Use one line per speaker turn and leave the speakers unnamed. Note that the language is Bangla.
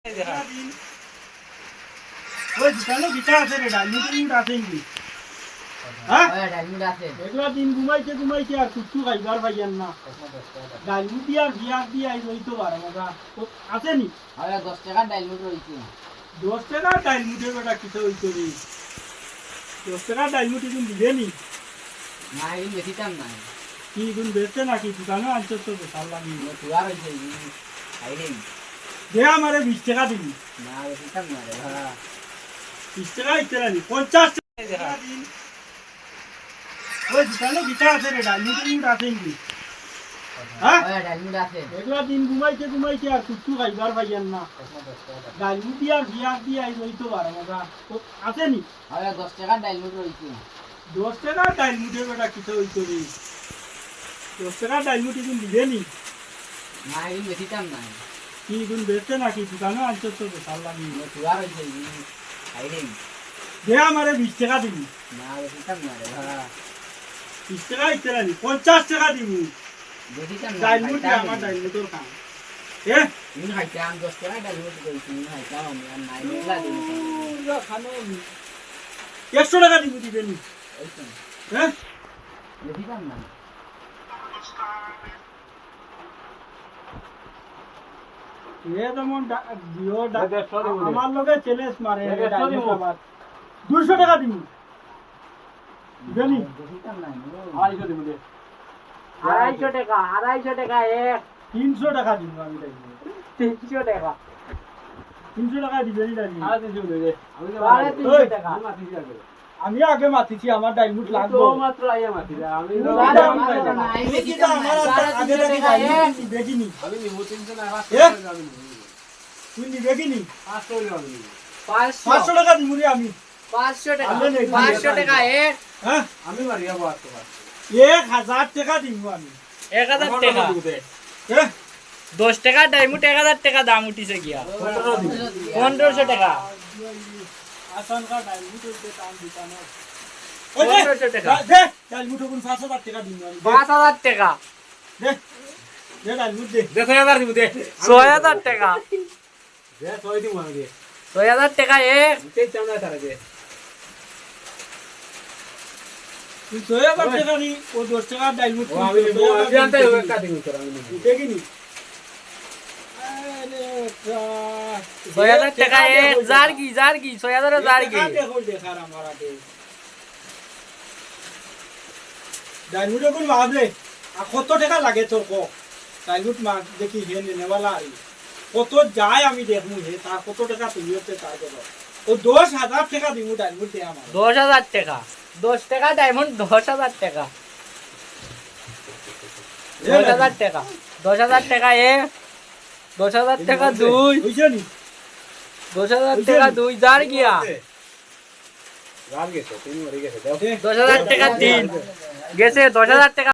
ওই দোকানে বিটা আছে রে ডাইলুট আছে কি হ্যাঁ ডাইলুট আছে একলা দিন ঘুমাইতে আর কিছু খাইবার পাইয়ান না ডাইলুট দিয়া বিয়া দিয়া হইতো পারে মজা আছে নি আরে 10 টাকা ডাইলুট রইছে 10 টাকা ডাইলুটের বেটা কিছু হইতো রে 10 টাকা ডাইলুট দিন দিবে নি না এই বেশিটাম না কি গুণ বেচতে নাকি দোকানে আনছো তো ভাল লাগি তুয়ার হইছে আইরে দে আমারে 20 টাকা দিবি না বেশিটাম না রে হ্যাঁ 20 টাকা ইতরা নি 50 টাকা দিন ওই দোকানে বিটা আছে রে ডাইলুট আছে কি হ্যাঁ ডাইলুট আছে একলা দিন ঘুমাইতে আর কিছু খাইবার পাইয়ান না ডাইলুট দিয়া বিয়া দিয়া হইতো পারে মজা আছে নি আরে 10 টাকা ডাইলুট রইছে 10 টাকা ডাইলুটের বেটা কিছু হইতো রে 10 টাকা ডাইলুট দিন দিবে নি না এই বেশিটাম না কি গুণ বেচতে নাকি দোকানে আনছো তো ভাল লাগি তুয়ার হইছে আইরে দে আমারে 20 টাকা দিবি না বেশিটাম না রে হ্যাঁ 20 টাকা ইতরা নি 50 টাকা দিবি বেশিটাম না ডাইলুট আমার ডাইলুটর কাম ইন খাইতাম 10 টাকা ডাইলুট কইছি ইন খাইতাম আমি আর নাই মেলা দিন খানো 100 টাকা দিবি নি বেশিটাম না ये तो मन दियो আমার লগে চ্যালেঞ্জ মারে 200 টাকা দিমু জানি 250 দিমু দে 250 টাকা এক 300 টাকা দিমু আমি তাই 300 টাকা 300 টাকা দিবেনি দাদি আর 300 দে আমি তো 300 টাকা আমি আগে মাতিছি আমার ডাইলুট লাগবে তো মাত্র আইয়া মাতি আমি আগে থেকে দেখিনি আমি নিমু 300 টাকা আমি তুই নিবে কি নি 500 টাকা আমি 500 টাকা দিমু রে আমি 500 টাকা 500 টাকা এক হ্যাঁ আমি মারিয়া 500 টাকা 1000 টাকা দিমু আমি 1000 টাকা হ্যাঁ 10 টাকা ডাইমুট 1000 টাকা দাম উঠিছে গিয়া 1500 টাকা আসান কা ডাইমুট এর দাম দিতানো 1500 টাকা দে ডাইমুট কোন 5000 টাকা দিমু আমি 5000 টাকা দে দে ডাইমুট দে 6000 দিমু দে 6000 টাকা দে 6 দিমু আমি দে 6000 টাকা এক তে চামড়া তারা দে তুই 6000 টাকা নি ও 10 টাকা ডাইলুট আমি জানতে হবে কাটিং করা আমি দেখিনি আরে 6000 টাকা এক জারগি 6000 জারগি দেখো দেখার আমারাতে ডাইলুট কোন ভাবে আর কত টাকা লাগে তোর কো ডাইলুট মা দেখি হে নেওয়ালা কত যায় আমি দেখমু হে তার কত টাকা তুমি হচ্ছে তাই দেবো ও 10000 টাকা দিমু ডাইমন্ড দে আমার 10000 টাকা 10 টাকা ডায়মন্ড 10000 টাকা 10000 টাকা 10000 টাকা এ 10000 টাকা দুই বুঝছো নি 10000 টাকা দুই জার গিয়া জার গেছে তিন মরে গেছে 10000 টাকা তিন গেছে 10000 টাকা